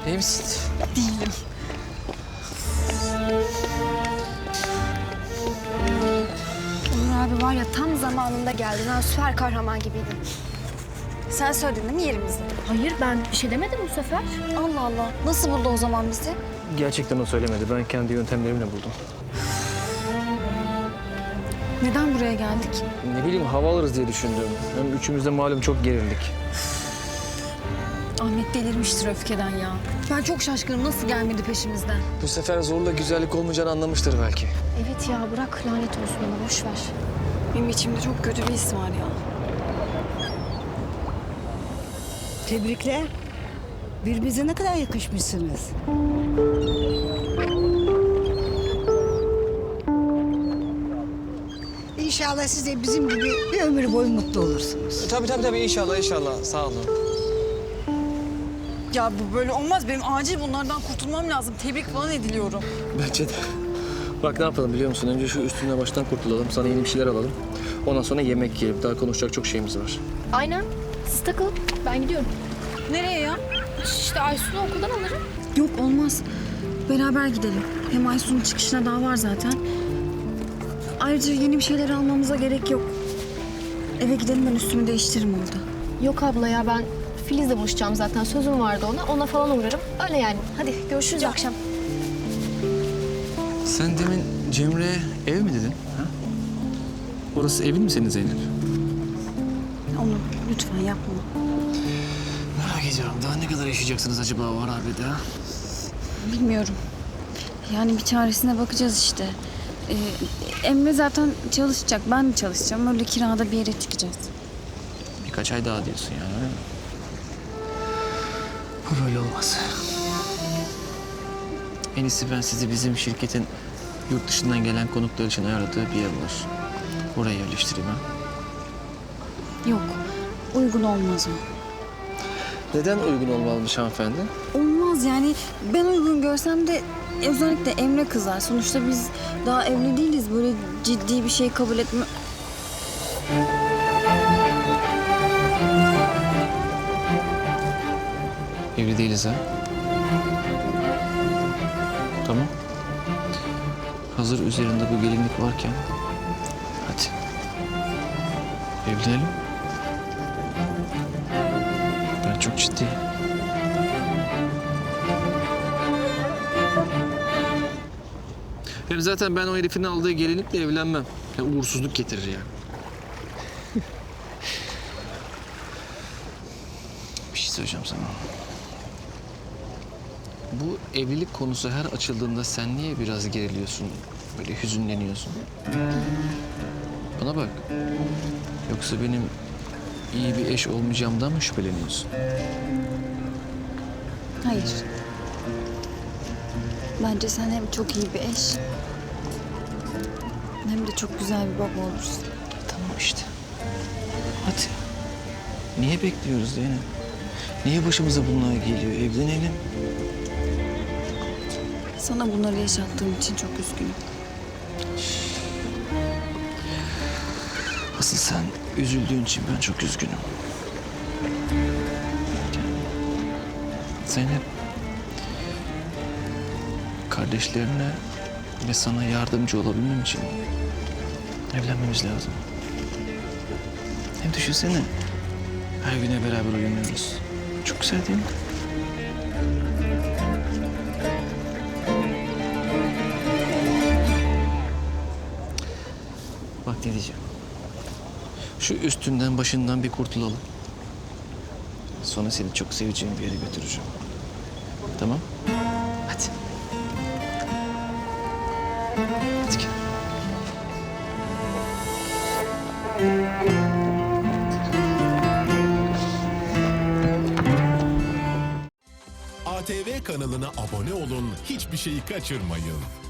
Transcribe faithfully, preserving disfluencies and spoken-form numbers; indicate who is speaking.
Speaker 1: İyi misin?
Speaker 2: Değilim. Onur abi var ya tam zamanında geldin. Ha, süper kahraman gibiydin. Sen söyledin değil mi yerimizi?
Speaker 3: Hayır, ben bir şey demedim bu sefer.
Speaker 2: Allah Allah. Nasıl buldu o zaman bizi?
Speaker 1: Gerçekten o söylemedi. Ben kendi yöntemlerimle buldum.
Speaker 2: Neden buraya geldik?
Speaker 1: Ne bileyim hava alırız diye düşündüm. Hem üçümüz de malum çok gerildik.
Speaker 2: Ahmet delirmiştir öfkeden ya. Ben çok şaşkınım. Nasıl gelmedi peşimizden?
Speaker 1: Bu sefer zorla güzellik olmayacağını anlamıştır belki.
Speaker 3: Evet ya, bırak lanet olsun ona, boş ver.
Speaker 2: Benim içimde çok kötü bir his var ya.
Speaker 4: Tebrikler. Birbirinize ne kadar yakışmışsınız. İnşallah siz de bizim gibi bir ömür boyu mutlu olursunuz.
Speaker 1: Tabii tabii tabii inşallah inşallah. Sağ olun.
Speaker 2: Ya bu böyle olmaz. Benim acil bunlardan kurtulmam lazım. Tebrik falan ediliyorum.
Speaker 1: Bence de. Bak ne yapalım biliyor musun? Önce şu üstüne baştan kurtulalım. Sana yeni bir şeyler alalım. Ondan sonra yemek yiyelim. Daha konuşacak çok şeyimiz var.
Speaker 3: Aynen, siz takılın, ben gidiyorum.
Speaker 2: Nereye ya?
Speaker 3: İşte Aysun'u okuldan alırım.
Speaker 2: Yok olmaz. Beraber gidelim. Hem Aysun'un çıkışına daha var zaten. Ayrıca yeni bir şeyler almamıza gerek yok. Eve gidelim ben üstümü değiştiririm orada.
Speaker 3: Yok abla ya, ben Filiz'le buluşacağım zaten, sözüm vardı ona. Ona falan uğrarım, öyle yani. Hadi görüşürüz akşam.
Speaker 1: Sen demin Cemre'ye ev mi dedin? Ha? Orası evin mi senin Zeynep?
Speaker 2: Onu lütfen yapma.
Speaker 1: Merak ediyorum. Daha ne kadar yaşayacaksınız acaba o harabede ha?
Speaker 2: Bilmiyorum. Yani bir çaresine bakacağız işte. Ee, Emre zaten çalışacak. Ben de çalışacağım. Öyle kirada bir yere çıkacağız.
Speaker 1: Birkaç ay daha diyorsun yani öyle mi? Bu böyle olmaz. En iyisi ben sizi bizim şirketin yurt dışından gelen konuklar için ayarladığı bir yer var. Oraya yerleştireyim ha.
Speaker 2: Yok. Uygun olmaz o.
Speaker 1: Neden uygun olmalımış hanımefendi?
Speaker 2: Olmaz yani. Ben uygun görsem de özellikle Emre kızar. Sonuçta biz daha evli değiliz. Böyle ciddi bir şey kabul etme...
Speaker 1: Evli değiliz ha. Tamam. Hazır üzerinde bu gelinlik varken hadi evlenelim. Ben çok ciddiyim. Hem zaten ben o herifin aldığı gelinlikle evlenmem. Ya uğursuzluk getirir yani. Bir şey söyleyeceğim sana. Bu evlilik konusu her açıldığında sen niye biraz geriliyorsun, böyle hüzünleniyorsun? Bana bak. Yoksa benim iyi bir eş olmayacağımdan mı şüpheleniyorsun?
Speaker 2: Hayır. Bence sen hem çok iyi bir eş... hem de çok güzel bir baba olursun.
Speaker 1: Tamam işte. Hadi. Niye bekliyoruz Zeynep? Niye başımıza bunlar geliyor? Evlenelim.
Speaker 2: Sana bunları yaşattığım için çok üzgünüm.
Speaker 1: Asıl sen üzüldüğün için ben çok üzgünüm. Zeynep, kardeşlerine ve sana yardımcı olabilmem için evlenmemiz lazım. Hem düşünsene, her güne beraber uyanıyoruz. Çok güzel değil mi? Bak ne diyeceğim. Şu üstünden başından bir kurtulalım. Sonra seni çok seveceğim bir yere götüreceğim. Tamam? Hadi. Hadi gel.
Speaker 5: A T V kanalına abone olun, hiçbir şeyi kaçırmayın.